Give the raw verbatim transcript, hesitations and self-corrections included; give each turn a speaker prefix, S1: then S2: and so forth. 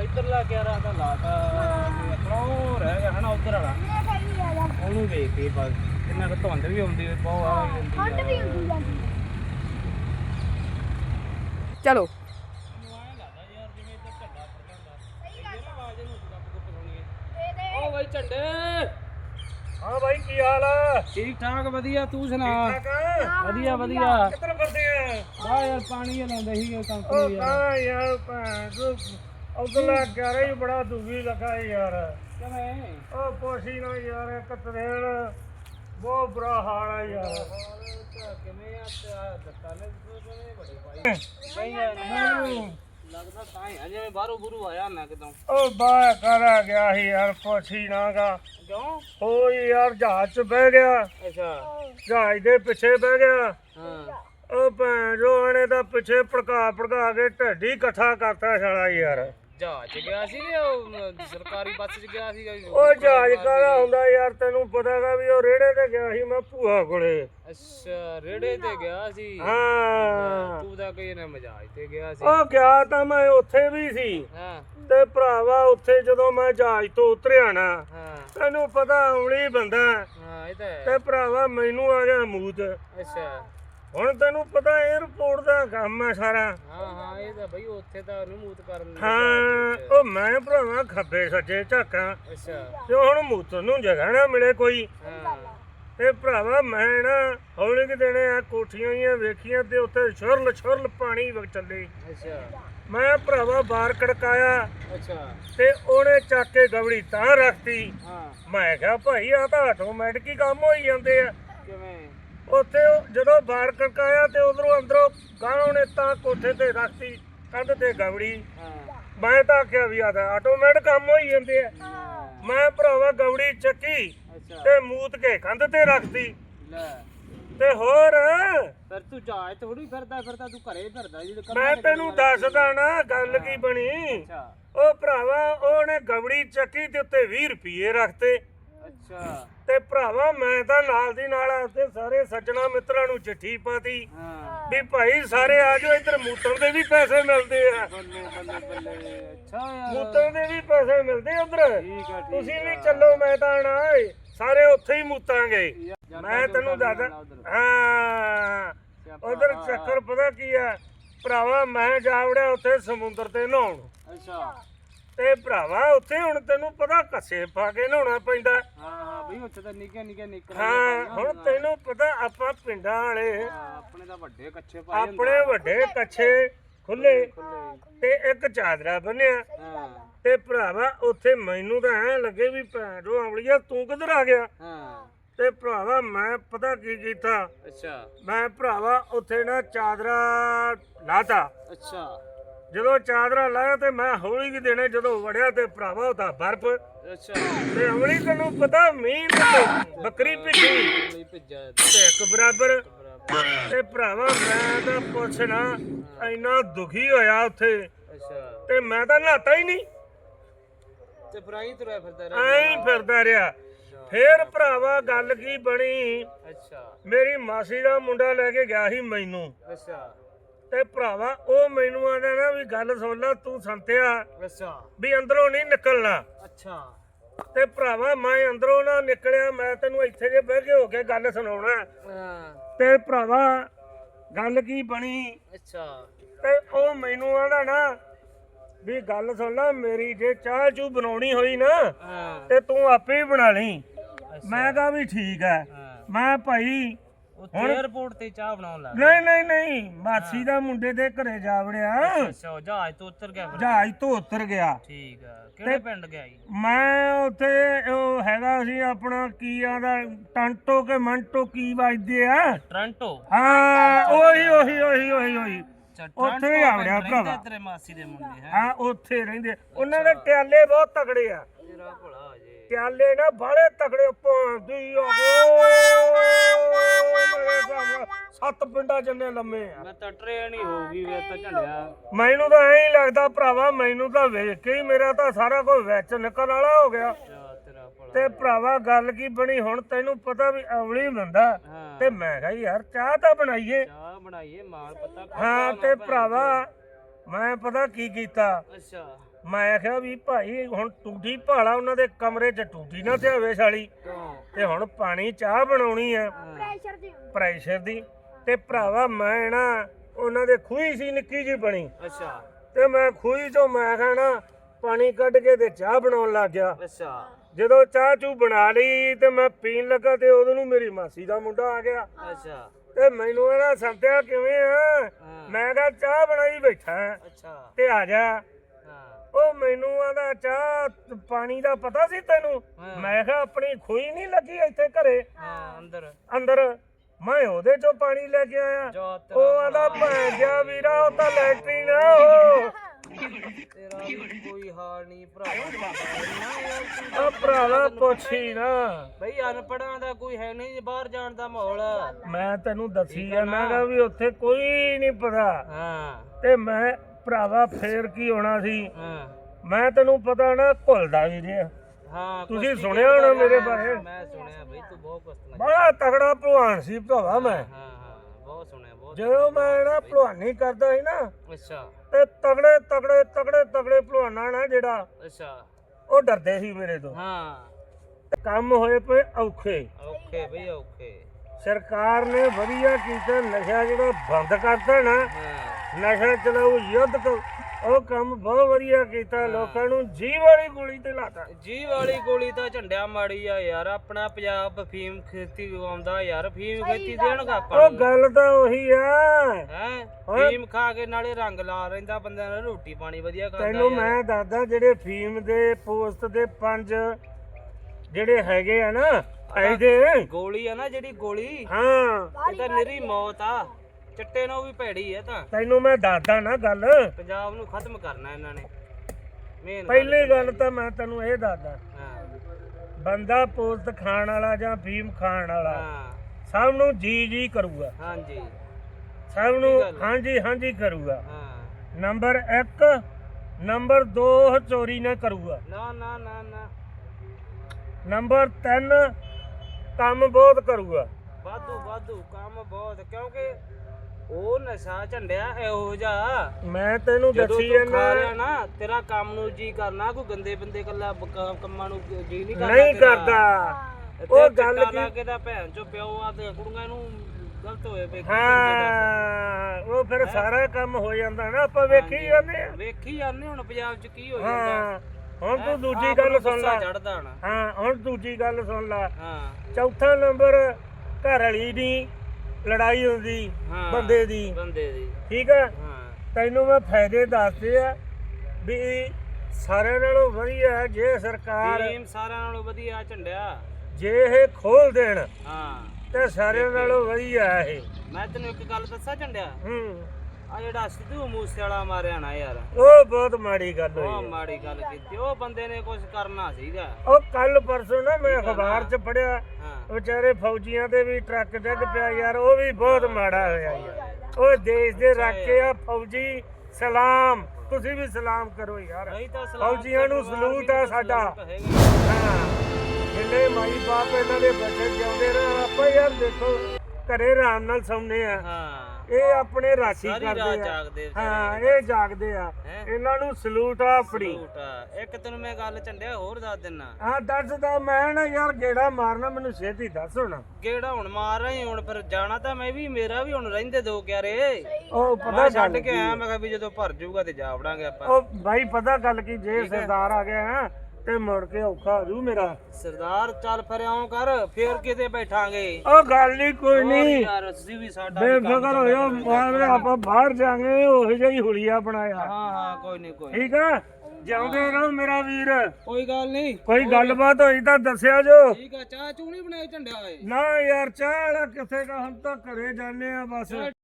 S1: ਇਧਰਲਾ ਕਿਆਰਾ ਤਾਂ ਲਾਤਾ ਆਪਣਾ ਉਹ ਰਹਿ ਗਿਆ ਹਨਾ ਉਧਰ ਵਾਲਾ ਉਹਨੂੰ ਵੇਖ ਕੇ ਬਸ ਕਿੰਨਾ ਕੁ ਧੁੰਦ ਵੀ ਆਉਂਦੀ ਬਹੁਤ ਆ
S2: ਠੰਡ ਵੀ ਹੁੰਦੀ ਜਾਂਦੀ ਚਲੋ
S1: ਓ ਬਾਈ ਝੰਡੇ
S3: ਹਾਂ ਬਾਈ ਕੀ ਹਾਲ ਆ?
S1: ਠੀਕ ਠਾਕ ਵਧੀਆ ਤੂੰ ਸੁਣਾ
S3: ਠੀਕ ਠਾਕ ਆ?
S1: ਵਧੀਆ ਵਧੀਆ
S3: ਕਿੱਧਰ ਫਿਰਦੇ ਆ?
S1: ਆ ਯਾਰ ਪਾਣੀ ਲਾਉਂਦੇ ਸੀ
S3: ਉਹ
S1: ਕੰਪਨੀ ਯਾਰ
S3: ਕਾ ਯਾਰ ਭੈਣ ਤੂੰ ਉਧਰਲਾ ਕਿਆਰਾ ਹੀ ਬੜਾ ਦੁਖੀ ਲੱਗਾ ਯਾਰ।
S1: ਕਿਵੇਂ
S3: ਉਹ ਪੋਸ਼ੀ ਨਾ ਯਾਰ ਇੱਕ ਤਰੇਲ ਬਹੁਤ ਬੁਰਾ ਹਾਲ ਆ ਯਾਰ।
S1: ਕਿਵੇਂ ਆ ਦੱਤਾਂ ਨੇ ਬੜੇ ਭਾਈ ਸਹੀ ਹੈ ਮੈਨੂੰ ਲੱਗਦਾ ਤਾਂ ਹੀ ਜਿਵੇਂ ਬਾਹਰੋਂ ਬੁਰੂ ਆਇਆ ਨਾ ਕਿਦੋਂ
S3: ਉਹ ਬਾਹਰ ਕਰਾ ਗਿਆ ਸੀ ਯਾਰ ਪੋਸ਼ੀ ਨਾ ਗਾ
S1: ਕਿਉਂ
S3: ਉਹ ਯਾਰ ਜਹਾਜ਼ 'ਚ ਬਹਿ ਗਿਆ,
S1: ਅੱਛਾ
S3: ਜਹਾਜ਼ ਦੇ ਪਿੱਛੇ ਬਹਿ ਗਿਆ।
S1: ਹਾਂ
S3: ਉਹ ਭੈਣ ਜੋ ਆਣੇ ਦਾ ਪਿੱਛੇ ਭੜਕਾ ਭੜਕਾ ਕੇ ਢੱਡੀ ਇਕੱਠਾ ਕਰਤਾ ਸਾਲਾ ਯਾਰ।
S1: ਜਹਾਜ਼ 'ਚ ਗਿਆ ਸੀ ਕਿ ਉਹ ਸਰਕਾਰੀ ਬੱਸ 'ਚ ਗਿਆ ਸੀਗਾ
S3: ਉਹ ਜਹਾਜ਼ ਕਾਹਦਾ ਹੁੰਦਾ ਯਾਰ, ਤੈਨੂੰ ਪਤਾਗਾ ਵੀ ਉਹ ਰੇੜੇ ਤੇ ਗਿਆ ਸੀ ਮੈਂ ਭੂਆ ਕੋਲੇ।
S1: ਅੱਛਾ ਰੇੜੇ ਤੇ ਗਿਆ ਸੀ
S3: ਹਾਂ
S1: ਤੂੰ ਤਾਂ ਕਹੀ ਨਾ ਮਜਾਜ ਤੇ ਗਿਆ ਸੀ
S3: ਉਹ ਗਿਆ ਤਾਂ ਮੈਂ ਉੱਥੇ ਵੀ ਸੀ
S1: ਹਾਂ
S3: ਤੇ ਭਰਾਵਾ ਉੱਥੇ ਜਦੋਂ ਮੈਂ ਜਹਾਜ਼ ਤੋਂ ਉਤਰਿਆ ਨਾ
S1: ਹਾਂ
S3: ਤੈਨੂੰ ਪਤਾ ਅਮਲੀ ਬੰਦਾ
S1: ਹਾਂ ਇਹ ਤਾਂ ਹੈ
S3: ਤੇ ਭਰਾਵਾ ਮੈਨੂੰ ਆ ਗਿਆ ਮੂਤ।
S1: ਅੱਛਾ
S3: ਹੁਣ ਤੈਨੂੰ ਪਤਾ 에어ਪੋਰਟ ਦਾ ਕੰਮ ਹੈ ਸਾਰਾ।
S1: ਹਾਂ ਹਾਂ ਇਹ ਤਾਂ ਬਈ ਉੱਥੇ ਤਾਂ ਉਹਨੂੰ ਮੂਤ ਕਰਨ
S3: ਹਾਂ ਉਹ ਮੈਂ ਭਰਾਵਾ ਖੱਬੇ ਸੱਜੇ ਝਾਕਾਂ
S1: ਅੱਛਾ
S3: ਤੇ ਹੁਣ ਮੂਤ ਨੂੰ ਜਗ੍ਹਾ ਨਾ ਮਿਲੇ ਕੋਈ
S1: ਹਾਂ
S3: ਤੇ ਭਰਾਵਾ ਮੈਂ ਨਾ ਹੌਲੀ ਕਿ ਦੇਣੇ ਆ ਕੋਠੀਆਂ ਹੀ ਵੇਖੀਆਂ ਤੇ ਉੱਥੇ ਛੁਰਲ ਛੁਰਲ ਪਾਣੀ ਵਗ ਚੱਲੇ।
S1: ਅੱਛਾ
S3: ਮੈਂ ਭਰਾਵਾ ਬਾਹਰ ਕੜਕਾਇਆ
S1: ਅੱਛਾ
S3: ਤੇ ਉਹਨੇ ਚੱਕ ਕੇ ਗਵੜੀ ਤਾਂ ਰੱਖਤੀ।
S1: ਹਾਂ
S3: ਮੈਂ ਕਿਹਾ ਭਾਈ ਆ ਤਾਂ ਆਟੋਮੈਟਿਕ ਹੀ ਕੰਮ ਹੋਈ ਜਾਂਦੇ ਆ।
S1: ਕਿਵੇਂ
S3: ਉੱਥੇ ਉਹ ਜਦੋਂ ਬਾਹਰ ਕੜਕਾਇਆ ਤੇ ਉਧਰੋਂ ਅੰਦਰੋਂ ਗਾਂ ਨੇ ਤਾਂ ਕੋਠੇ ਤੇ ਰੱਖਤੀ ਕੰਧ ਤੇ ਗਵੜੀ।
S1: ਹਾਂ
S3: ਮੈਂ ਤਾਂ ਆਖਿਆ ਵੀ ਆ ਤਾਂ ਆਟੋਮੈਟਿਕ ਕੰਮ ਹੋਈ ਜਾਂਦੇ ਆ। ਮੈਂ ਭਰਾਵਾ ਗਵੜੀ ਚੱਕੀ
S1: ਅੱਛਾ
S3: ਤੇ ਮੂਤ ਕੇ ਕੰਧ ਤੇ ਰੱਖਤੀ
S1: ਲੈ
S3: ਤੇ ਹੋਰ
S1: ਫਿਰ ਤੂੰ ਜਹਾਜ਼ ਥੋੜੀ ਫਿਰਦਾ ਫਿਰਦਾ ਤੂੰ ਘਰੇ ਫਿਰਦਾ ਜਿਹੜੇ ਕੰਮ
S3: ਮੈਂ ਤੈਨੂੰ ਦੱਸਦਾ ਨਾ ਗੱਲ ਕੀ ਬਣੀ।
S1: ਅੱਛਾ
S3: ਉਹ ਭਰਾਵਾ ਉਹਨੇ ਗਵੜੀ ਚੱਕੀ ਤੇ ਉੱਤੇ ਵੀਹ ਰੁਪਏ ਰੱਖਤੇ
S1: ਅੱਛਾ
S3: ਤੇ ਭਰਾਵਾ ਮੈਂ ਤਾਂ ਨਾਲ ਦੀ ਨਾਲ ਉੱਥੇ ਸਾਰੇ ਸੱਜਣਾ ਮਿੱਤਰਾਂ ਨੂੰ ਚਿੱਠੀ ਪਾਤੀ
S1: ਹਾਂ
S3: ਵੀ ਭਾਈ ਸਾਰੇ ਆ ਜਾਓ, ਇੱਧਰ ਮੂਤਰ ਦੇ ਵੀ ਪੈਸੇ ਮਿਲਦੇ ਆ।
S1: ਬੱਲੇ ਬੱਲੇ ਬੱਲੇ ਅੱਛਾ ਯਾਰ
S3: ਮੂਤਰ ਦੇ ਵੀ ਪੈਸੇ ਮਿਲਦੇ ਉਧਰ,
S1: ਠੀਕ ਆ ਠੀਕ
S3: ਤੁਸੀਂ ਵੀ ਚੱਲੋ ਮੈਦਾਨ ਆਏ ਸਾਰੇ ਉੱਥੇ ਹੀ ਮੂਤਾਂਗੇ। ਮੈਂ ਤੈਨੂੰ ਦੱਸਦਾ ਹਾਂ ਉਧਰ ਚੱਕਰ ਪਤਾ ਕੀ ਆ ਭਰਾਵਾ, ਮੈਂ ਜਾ ਵੜਿਆ ਉੱਥੇ ਸਮੁੰਦਰ ਤੇ ਨਹਾਉਣ।
S1: ਅੱਛਾ
S3: ਤੇ ਭਰਾਵਾ ਉੱਥੇ ਹੁਣ ਤੈਨੂੰ ਪਤਾ ਕੱਸੇ ਪਾ ਕੇ ਨਹਾਉਣਾ ਪੈਂਦਾ।
S1: ਹਾਂ ਹਾਂ ਬਈ ਉੱਥੇ ਤਾਂ ਨਿੱਕੇ ਨਿੱਕੇ ਨਿਕਲ
S3: ਹਾਂ ਹੁਣ ਤੈਨੂੰ ਪਤਾ ਆਪਾਂ ਪਿੰਡਾਂ ਵਾਲੇ
S1: ਆਪਣੇ ਤਾਂ ਵੱਡੇ ਕੱਚੇ ਪਾਏ
S3: ਆਪਣੇ ਵੱਡੇ ਕੱਛੇ ਖੁੱਲੇ ਤੇ ਇੱਕ ਚਾਦਰਾ ਬੰਨਿਆ
S1: ਹਾਂ
S3: ਤੇ ਭਰਾਵਾ ਉੱਥੇ ਮੈਨੂੰ ਤਾਂ ਐ ਲੱਗੇ ਵੀ ਭੈਣ ਜੋ ਅਮਲੀਆ ਤੂੰ ਕਿੱਧਰ ਆ ਗਿਆ।
S1: ਹਾਂ
S3: ਤੇ ਭਰਾਵਾ ਮੈਂ ਪਤਾ ਕੀ ਕੀਤਾ,
S1: ਅੱਛਾ
S3: ਮੈਂ ਭਰਾਵਾ ਉੱਥੇ ਨਾ ਚਾਦਰਾ ਲਾਤਾ।
S1: ਅੱਛਾ
S3: ਜਦੋਂ ਚਾਦਰਾ ਲਾਇਆ ਤੇ ਮੈਂ ਹੌਲੀ ਕੀ ਦੇਣੇ ਜਦੋਂ ਵੜਿਆ ਤੇ ਭਰਾਵਾ ਉਹਦਾ ਬਰਫ
S1: ਅੱਛਾ
S3: ਤੇ ਅਮਲੀ ਤੈਨੂੰ ਪਤਾ ਮੀਂਹ ਤੇ ਬੱਕਰੀ ਭਿੱਜੀ
S1: ਨਹੀਂ ਭੇਜਿਆ
S3: ਤੇ ਇੱਕ ਬਰਾਬਰ ਤੇ ਭਰਾਵਾ ਮੈਂ ਤਾਂ ਪੁੱਛਣਾ ਇੰਨਾ ਦੁਖੀ ਹੋਇਆ ਉੱਥੇ
S1: ਅੱਛਾ
S3: ਤੇ ਮੈਂ ਤਾਂ ਨਹਾਤਾ ਹੀ ਨਹੀਂ,
S1: ਤੇ ਫਰਾਈ ਤੁਰਿਆ ਫਿਰਦਾ
S3: ਐਂ ਹੀ ਫਿਰਦਾ ਰਿਹਾ। ਫੇਰ ਭਰਾਵਾ ਗੱਲ ਕੀ ਬਣੀ,
S1: ਅੱਛਾ
S3: ਮੇਰੀ ਮਾਸੀ ਦਾ ਮੁੰਡਾ ਲੈ ਕੇ ਗਿਆ ਸੀ ਮੈਨੂੰ
S1: ਅੱਛਾ
S3: ਤੇ ਭਰਾਵਾ ਉਹ ਮੈਨੂੰ ਆਂਦਾ ਨਾ ਵੀ ਗੱਲ ਸੁਣ ਲੈ ਤੂੰ ਸੰਤਿਆ
S1: ਅੱਛਾ
S3: ਵੀ ਅੰਦਰੋਂ ਨਹੀਂ ਨਿਕਲਣਾ।
S1: ਅੱਛਾ
S3: ਤੇ ਭਰਾਵਾ ਮੈਂ ਅੰਦਰੋਂ ਨਾ ਨਿਕਲਿਆ, ਮੈਂ ਤੈਨੂੰ ਇੱਥੇ ਜੇ ਬਹਿ ਕੇ ਹੋ ਕੇ ਗੱਲ ਸੁਣਾਉਣਾ।
S1: ਹਾਂ
S3: ਤੇ ਭਰਾਵਾ ਗੱਲ ਕੀ ਬਣੀ
S1: ਅੱਛਾ
S3: ਤੇ ਉਹ ਮੈਨੂੰ ਆਂਦਾ ਨਾ ਵੀ ਗੱਲ ਸੁਣ ਲੈ ਮੇਰੀ ਜੇ ਚਾਹ ਚੂ ਬਣਾਉਣੀ ਹੋਈ ਨਾ
S1: ਹਾਂ
S3: ਤੇ ਤੂੰ ਆਪੇ ਹੀ ਬਣਾ ਲਈ। ਮੈਂ ਕਿਹਾ ਵੀ ਠੀਕ ਹੈ। ਮੈਂ ਭਾਈ
S1: ਉੱਥੇ 에어ਪੋਰਟ ਤੇ ਚਾਹ ਬਣਾਉਣ ਲੱਗ
S3: ਨਹੀਂ ਨਹੀਂ ਨਹੀਂ ਮਾਸੀ ਦਾ ਮੁੰਡੇ ਦੇ ਘਰੇ ਜਾ ਵੜਿਆ,
S1: ਅੱਛਾ ਜਹਾਜ਼ ਤੋਂ ਉਤਰ ਗਿਆ ਫਿਰ
S3: ਜਹਾਜ਼ ਤੋਂ ਉਤਰ ਗਿਆ।
S1: ਠੀਕ ਆ ਕਿਹੜੇ ਪਿੰਡ ਗਿਆ ਜੀ
S3: ਮੈਂ ਉੱਥੇ ਉਹ ਹੈਗਾ ਸੀ ਆਪਣਾ ਕੀ ਆਂਦਾ ਟਾਂਟੋ ਕੇ ਮੰਟੋ ਕੀ ਵੱਜਦੇ ਆ
S1: ਟ੍ਰਾਂਟੋ।
S3: ਹਾਂ ਉਹੀ ਉਹੀ ਉਹੀ ਉਹੀ ਉਹੀ ਉੱਥੇ ਹੀ ਆ ਵੜਿਆ ਭਰਾਵਾ।
S1: ਤੇਰੇ ਮਾਸੀ ਦੇ ਮੁੰਡੇ ਹੈ
S3: ਹਾਂ ਉੱਥੇ ਰਹਿੰਦੇ, ਉਹਨਾਂ ਦੇ ਟਿਆਲੇ ਬਹੁਤ ਤਗੜੇ ਆ।
S1: ਤੇਰਾ ਭਲਾ ਹੋ ਜੇ
S3: ਟਿਆਲੇ ਨਾ ਬਾਲੇ ਤਗੜੇ ਪਾਉਂਦੀ ਆ ਸੱਤ ਪਿੰਡਾਂ ਜਿੰਨੇ ਲੰਮੇ ਆ।
S1: ਮੈਂ ਤਾਂ ਟ੍ਰੇਨ ਹੀ ਹੋ ਗਈ ਵੇ ਤਾਂ ਝੰਡਿਆ।
S3: ਮੈਨੂੰ ਤਾਂ ਐਂ ਹੀ ਲੱਗਦਾ ਭਰਾਵਾ, ਮੈਨੂੰ ਤਾਂ ਵੇਖ ਕੇ ਹੀ ਮੇਰਾ ਤਾਂ ਸਾਰਾ ਕੁਝ ਵਿੱਚ ਨਿਕਲ ਵਾਲਾ ਹੋ ਗਿਆ।
S1: ਤੇਰਾ ਭਲਾ
S3: ਤੇ ਭਰਾਵਾ ਗੱਲ ਕੀ ਬਣੀ, ਹੁਣ ਤੈਨੂੰ ਪਤਾ ਵੀ ਅਮਲੀ ਬੰਦਾ ਤੇ ਮੈਂ ਕਿਹਾ ਯਾਰ ਚਾਹ ਤਾਂ ਬਣਾਈਏ।
S1: ਚਾਹ ਬਣਾਈਏ ਮਾਲ ਪਤਾ
S3: ਹਾਂ ਤੇ ਭਰਾਵਾ ਮੈਂ ਪਤਾ ਕੀ ਕੀਤਾ,
S1: ਅੱਛਾ
S3: ਮੈਂ ਕਿਹਾ ਵੀ ਭਾਈ ਹੁਣ ਟੂਟੀ ਭਾਲਾ ਉਹਨਾਂ ਦੇ ਕਮਰੇ 'ਚ ਟੂਟੀ ਨਾ ਧਿਆਵੇ ਸਾਲੀ
S1: ਕਿਉਂ
S3: ਤੇ ਹੁਣ ਪਾਣੀ ਚਾਹ ਬਣਾਉਣੀ ਆ
S2: ਪ੍ਰੈਸ਼ਰ ਦੀ
S3: ਪ੍ਰੈਸ਼ਰ ਦੀ ਤੇ ਭਰਾਵਾ ਮੈਂ ਨਾ ਉਹਨਾਂ ਦੇ ਖੂਹੀ ਸੀ ਨਿੱਕੀ ਜੀ ਬਣੀ
S1: ਅੱਛਾ
S3: ਤੇ ਮੈਂ ਖੂਹੀ 'ਚੋਂ ਮੈਂ ਖਾਣਾ ਪਾਣੀ ਕੱਢ ਕੇ ਤੇ ਚਾਹ ਬਣਾਉਣ ਲੱਗ ਗਿਆ।
S1: ਅੱਛਾ
S3: ਜਦੋਂ ਚਾਹ ਚੂ ਬਣਾ ਲਈ ਤੇ ਮੈਂ ਪੀਣ ਲੱਗਾ ਤੇ ਉਦੋਂ ਨੂੰ ਮੇਰੀ ਮਾਸੀ ਦਾ ਮੁੰਡਾ ਆ ਗਿਆ
S1: ਅੱਛਾ
S3: ਤੇ ਮੈਨੂੰ ਇਹਦਾ ਸੰਤਿਆ ਕਿਵੇਂ ਆ
S1: ਹਾਂ।
S3: ਮੈਂ ਕਿਹਾ ਚਾਹ ਬਣਾਈ ਬੈਠਾ
S1: ਅੱਛਾ
S3: ਤੇ ਆ ਜਾ।
S1: ਹਾਂ
S3: ਉਹ ਮੈਨੂੰ ਆਂਦਾ ਚਾਹ ਪਾਣੀ ਦਾ ਪਤਾ ਸੀ ਤੈਨੂੰ?
S1: ਹਾਂ।
S3: ਮੈਂ ਕਿਹਾ ਆਪਣੀ ਖੂਹੀ ਨਹੀਂ ਲੱਗੀ ਇੱਥੇ ਘਰੇ
S1: ਹਾਂ ਅੰਦਰ
S3: ਅੰਦਰ ਮੈਂ ਉਹਦੇ ਚੋਂ ਪਾਣੀ ਲੈ ਕੇ ਆਇਆ।
S1: ਜਾ
S3: ਉਹ ਆਂਦਾ ਭੈਣ ਗਿਆ ਵੀਰਾ ਉਹ ਤਾਂ ਲੈਟਰੀਨ ਆ ਉਹ
S1: ਤੇਰਾ ਵੀ ਕੋਈ ਹਾਲ ਨਹੀਂ ਭਰਾ
S3: ਆ ਭਰਾਵਾ ਪੁੱਛੀ ਨਾ
S1: ਬਈ ਅਨਪੜਾਂ ਦਾ ਕੋਈ ਹੈ ਨਹੀਂ ਬਾਹਰ ਜਾਣ ਦਾ ਮਾਹੌਲ।
S3: ਮੈਂ ਤੈਨੂੰ ਦੱਸੀ ਜਾਣਾਗਾ ਵੀ ਉੱਥੇ ਕੋਈ ਨਹੀਂ ਪਤਾ
S1: ਹਾਂ
S3: ਤੇ ਮੈਂ ਭਰਾਵਾ ਫੇਰ ਕੀ ਹੋਣਾ ਸੀ
S1: ਹਾਂ
S3: ਮੈਂ ਤੈਨੂੰ ਪਤਾ ਨਾ ਘੁਲਦਾ ਵੀ ਰਿਹਾ।
S1: ਹਾਂ
S3: ਤੁਸੀਂ
S1: ਕੁਸ਼ਤੀ
S3: ਸੁਣਿਆ ਹੋਣਾ
S1: ਖੇਡਦਾ
S3: ਮੇਰੇ
S1: ਰਿਹਾ।
S3: ਬਾਰੇ?
S1: ਮੈਂ ਸੁਣਿਆ ਬਈ ਤੂੰ ਬਹੁਤ ਕੁਸ਼ਤੀ
S3: ਬੜਾ ਤਗੜਾ ਭਲਵਾਨ ਸੀ ਭਰਾਵਾ ਮੈਂ।
S1: ਹਾਂ ਹਾਂ ਬਹੁਤ ਸੁਣਿਆ ਬਹੁਤ
S3: ਜਦੋਂ ਮੈਂ ਨਾ ਭਲਵਾਨੀ ਕਰਦਾ ਸੀ ਨਾ
S1: ਅੱਛਾ
S3: ਤੇ ਤਗੜੇ ਤਗੜੇ ਤਗੜੇ ਤਗੜੇ ਭਲਵਾਨਾਂ ਨਾ ਜਿਹੜਾ
S1: ਅੱਛਾ
S3: ਉਹ ਡਰਦੇ ਸੀ ਮੇਰੇ ਤੋਂ।
S1: ਹਾਂ
S3: ਕੰਮ ਹੋਏ ਪਏ ਔਖੇ।
S1: ਔਖੇ ਬਈ ਔਖੇ।
S3: ਸਰਕਾਰ ਨੇ ਵਧੀਆ ਕੀਤਾ ਨਸ਼ਾ ਜਿਹੜਾ ਬੰਦ ਕਰਤਾ ਨਾ
S1: ਹਾਂ
S3: ਨਸ਼ਾ ਚਲਾਓ ਯੁੱਧ ਕ- ਉਹ ਕੰਮ ਬਹੁਤ ਵਧੀਆ ਕੀਤਾ ਲੋਕਾਂ ਨੂੰ ਜੀ ਵਾਲੀ ਗੋਲੀ ਤੇ ਲਾਤਾ।
S1: ਜੀ ਵਾਲੀ ਗੋਲੀ ਤਾਂ ਝੰਡਿਆ ਮਾੜੀ ਆ ਯਾਰ। ਆਪਣਾ ਪੰਜਾਬ ਫੀਮ ਖੇਤੀ ਆਉਂਦਾ ਯਾਰ ਫੀਮ ਖੇਤੀ ਦੇਣਗਾ ਆਪਾਂ
S3: ਉਹ ਗੱਲ ਤਾਂ ਉਹੀ ਆ।
S1: ਹੈ ਫੀਮ ਖਾ ਕੇ ਨਾਲੇ ਰੰਗ ਲਾ ਰਹਿੰਦਾ ਬੰਦਿਆਂ ਨੂੰ ਰੋਟੀ ਪਾਣੀ ਵਧੀਆ ਖਾਂਦਾ
S3: ਤੈਨੂੰ
S1: ਯਾਰ।
S3: ਮੈਂ ਦੱਸਦਾ ਜਿਹੜੇ ਫੀਮ ਦੇ ਪੋਸਟ ਦੇ ਪੰਜ ਜਿਹੜੇ ਹੈਗੇ ਆ ਨਾ ਫਾਇਦੇ
S1: ਗੋਲੀ ਆ ਨਾ ਜਿਹੜੀ ਗੋਲੀ
S3: ਹਾਂ
S1: ਇਹ ਤਾਂ ਨਿਰੀ ਮੌਤ ਆ। ਚਿੱਟੇ ਨੂੰ ਵੀ ਭੈੜੀ ਆ ਤਾਂ।
S3: ਤੈਨੂੰ ਮੈਂ ਦੱਸਦਾ ਨਾ ਗੱਲ
S1: ਪੰਜਾਬ ਨੂੰ ਖਤਮ ਕਰਨਾ ਇਹਨਾਂ ਨੇ ਮੇਨ
S3: ਪਹਿਲੀ ਗੱਲ ਤਾਂ ਮੈਂ ਤੈਨੂੰ ਇਹ ਦੱਸਦਾ
S1: ਹਾਂ
S3: ਬੰਦਾ ਪੋਸਟ ਖਾਣ ਵਾਲਾ ਜਾਂ ਫੀਮ ਖਾਣ ਵਾਲਾ
S1: ਹਾਂ
S3: ਸਭ ਨੂੰ ਜੀ ਜੀ ਕਰੂਗਾ
S1: ਹਾਂਜੀ
S3: ਸਭ ਨੂੰ
S1: ਗੱਲ ਆ।
S3: ਹਾਂਜੀ ਹਾਂਜੀ ਕਰੂਗਾ।
S1: ਹਾਂ
S3: ਨੰਬਰ ਇੱਕ ਨੰਬਰ ਦੋ ਚੋਰੀ ਨਾ ਕਰੂਗਾ।
S1: ਨਾ ਨਾ ਨਾ ਨਾ
S3: ਨੰਬਰ ਤਿੰਨ ਕੰਮ ਬਹੁਤ ਕਰੂਗਾ।
S1: ਵਾਧੂ ਵਾਧੂ ਕੰਮ ਬਹੁਤ ਕਿਉਂਕਿ ਉਹ ਨਸ਼ਾ ਝੰਡਿਆ ਇਹੋ ਜਿਹਾ
S3: ਮੈਂ ਤੈਨੂੰ
S1: ਜਦੋਂ
S3: ਦੱਸੀ
S1: ਤੂੰ ਖਾ
S3: ਜਾਂਦਾ
S1: ਲਿਆ ਨਾ ਤੇਰਾ ਕੰਮ ਨੂੰ ਜੀ ਕਰਨਾ ਕੋਈ ਗੰਦੇ ਬੰਦੇ ਕੱਲਾ ਬ- ਕੰਮਾਂ ਨੂੰ ਜੀ ਨਹੀਂ ਕਰਨਾ
S3: ਨਹੀਂ
S1: ਤੇਰਾ।
S3: ਕਰਦਾ।
S1: ਤੇ
S3: ਉਹ ਗੱਲ
S1: ਚਿੱਟਾ
S3: ਕੀ
S1: ਲਾ ਕੇ ਤਾਂ ਭੈਣ ਚੋ ਪਿਓ ਆ ਤੇ ਕੁੜੀਆਂ ਨੂੰ ਗਲਤ ਹੋਏ ਵੇ
S3: ਹਾਂ ਉਹ ਫਿਰ ਸਾਰਾ ਕੰਮ ਹੋ ਜਾਂਦਾ ਨਾ ਆਪਾਂ ਵੇਖੀ ਜਾਂਦੇ ਆ।
S1: ਵੇਖੀ ਜਾਂਦੇ ਹੁਣ ਪੰਜਾਬ ਚ ਕੀ ਹੋ ਜਾਂਦਾ।
S3: ਹਾਂ ਹੁਣ
S1: ਹੈਂ?
S3: ਤੂੰ ਦੂਜੀ
S1: ਆਪ
S3: ਗੱਲ
S1: ਨੂੰ
S3: ਸੁਣ
S1: ਗੁੱਸਾ
S3: ਲੈ।
S1: ਚੜ੍ਹਦਾ ਨਾ।
S3: ਹਾਂ ਹੁਣ ਦੂਜੀ ਗੱਲ ਸੁਣ ਲੈ।
S1: ਹਾਂ
S3: ਚੌਥਾ ਨੰਬਰ ਘਰ ਵਾਲੀ ਦੀ ਲੜਾਈ ਹੁੰਦੀ
S1: ਹਾਂ
S3: ਬੰਦੇ ਦੀ
S1: ਬੰਦੇ ਦੀ
S3: ਠੀਕ ਆ।
S1: ਹਾਂ
S3: ਤੈਨੂੰ ਮੈਂ ਫਾਇਦੇ ਦੱਸਦੇ ਆ ਵੀ ਸਾਰਿਆਂ ਨਾਲੋਂ ਵਧੀਆ ਜੇ ਸਰਕਾਰ
S1: ਟੀਮ ਸਾਰਿਆਂ ਨਾਲੋਂ ਵਧੀਆ ਝੰਡਿਆ।
S3: ਜੇ ਇਹ ਖੋਲ ਦੇਣ
S1: ਹਾਂ
S3: ਤੇ ਸਾਰਿਆਂ ਨਾਲੋਂ ਵਧੀਆ ਇਹ।
S1: ਮੈਂ ਤੈਨੂੰ ਇੱਕ ਗੱਲ ਦੱਸਾਂ ਝੰਡਿਆ
S3: ਹੂੰ
S1: ਆ ਜਿਹੜਾ ਸਿੱਧੂ ਮੂਸੇ ਵਾਲਾ ਮਾਰਿਆ ਨਾ ਯਾਰ
S3: ਉਹ ਬਹੁਤ ਮਾੜੀ ਗੱਲ
S1: ਉਹ
S3: ਹੋਈ।
S1: ਮਾੜੀ ਗੱਲ ਕੀਤੀ। ਉਹ ਬੰਦੇ ਨੇ ਕੁਝ ਕਰਨਾ ਸੀਗਾ।
S3: ਉਹ ਕੱਲ ਪਰਸੋਂ ਨਾ ਮੈਂ ਅਖਬਾਰ 'ਚ ਪੜਿਆ
S1: ਹਾਂ
S3: ਵਿਚਾਰੇ ਫੌਜੀਆਂ ਦੇ ਵੀ ਟਰੱਕ ਡਿੱਗ ਪਿਆ ਯਾਰ ਉਹ ਵੀ ਬਹੁਤ ਮਾੜਾ ਹੋਇਆ ਯਾਰ। ਉਹ ਦੇਸ਼ ਦੇ ਰਾਖੇ ਆ ਫੌਜੀ ਸਲਾਮ ਤੁਸੀਂ ਵੀ ਸਲਾਮ ਕਰੋ ਯਾਰ।
S1: ਨਹੀਂ ਤਾਂ ਸਲਾਮ
S3: ਫੌਜੀਆਂ ਨੂੰ
S1: ਪਰਿਵਾਰ
S3: ਸਲੂਟ
S1: ਵੀ
S3: ਆ
S1: ਤਾਂ
S3: ਸਾਡਾ।
S1: ਸਲੂਟ ਹੈਗਾ।
S3: ਹਾਂ ਜਿੰਨੇ ਮਾਈ ਬਾਪ ਇਹਨਾਂ ਦੇ ਬੱਚੇ ਜਿਉਂਦੇ ਰਹੇ ਆਪਾਂ ਯਾਰ ਦੇਖੋ ਘਰੇ ਆਰਾਮ ਨਾਲ ਸੌਂਦੇ ਆ।
S1: ਹਾਂ
S3: ਇਹ ਆਪਣੇ ਰਾਖੀ
S1: ਸਾਰੀ ਰਾਤ
S3: ਕਰਦੇ ਆ।
S1: ਜਾਗਦੇ ਵਿਚਾਰੇ।
S3: ਹਾਂ ਇਹ ਜਾਗਦੇ ਆ।
S1: ਹੈਂ?
S3: ਇਹਨਾਂ ਨੂੰ ਸਲੂਟ ਆ ਆਪਣੀ।
S1: ਸਲੂਟ ਆ। ਇੱਕ ਤੈਨੂੰ ਮੈਂ ਗੱਲ ਝੰਡਿਆ ਹੋਰ ਦੱਸ ਦਿੰਨਾ।
S3: ਹਾਂ ਦੱਸਦਾ ਮੈਂ ਨਾ ਯਾਰ ਗੇੜਾ ਮਾਰਨਾ ਮੈਨੂੰ ਛੇਤੀ ਦੱਸ ਹੁਣ।
S1: ਕਿਹੜਾ ਹੁਣ ਮਾਰ ਰਹੀ ਹੁਣ ਫਿਰ ਜਾਣਾ ਤਾਂ ਮੈਂ ਵੀ ਮੇਰਾ ਵੀ ਹੁਣ ਰਹਿੰਦੇ ਦੋ ਕਿਆਰੇ
S3: ਉਹ ਪਤਾ
S1: ਮੈਂ ਛੱਡ
S3: ਗੱਲ
S1: ਕੇ
S3: ਕੀ
S1: ਆਇਆ
S3: ਆ?
S1: ਮੈਂ ਕਿਹਾ ਵੀ ਜਦੋਂ ਭਰ ਜਾਊਗਾ ਤੇ ਜਾ ਵੜਾਂਗੇ ਆਪਾਂ।
S3: ਉਹ ਬਾਈ ਪਤਾ ਗੱਲ ਕੀ ਜੇ ਸਰਦਾਰ ਆ ਗਿਆ ਨਾ ਤੇ ਮੁੜ ਕੇ ਔਖਾ ਹੋ ਜੂ ਮੇਰਾ।
S1: ਸਰਦਾਰ ਚੱਲ ਫਿਰ ਆਉਂ ਕਰ ਫੇਰ ਕਿਤੇ ਬੈਠਾਂਗੇ।
S3: ਉਹ ਗੱਲ ਨਹੀਂ ਕੋਈ ਨਹੀਂ
S1: ਯਾਰ ਅਸੀਂ ਵੀ ਸਾਡਾ ਵੀ ਕੰਮ
S3: ਬੇਫਿਕਰ ਹੋਇਓ ਮਾਰੇ ਆਪਾਂ ਬਾਹਰ ਜਾਾਂਗੇ ਉਹੋ ਜਿਹਾ ਹੀ ਹੁਲੀਆ ਬਣਾਇਆ।
S1: ਹਾਂ ਹਾਂ ਕੋਈ ਨਹੀਂ ਕੋਈ
S3: ਠੀਕ ਆ ਜਿਉਂਦੇ ਰਹੋ ਮੇਰਾ ਵੀਰ।
S1: ਕੋਈ ਗੱਲ ਨਹੀਂ।
S3: ਕੋਈ ਗੱਲਬਾਤ ਹੋਈ ਤਾਂ ਦੱਸਿਆ ਜੋ।
S1: ਠੀਕ ਆ ਚਾਹ ਚੂ ਨਹੀਂ ਬਣਾਈ ਝੰਡਿਆ ਓਏ।
S3: ਨਾ ਯਾਰ ਚਾਹ ਵਾਲਾ ਕਿੱਥੇ ਦਾ ਹੁਣ ਤਾਂ ਘਰੇ ਜਾਂਦੇ ਆ ਬਸ।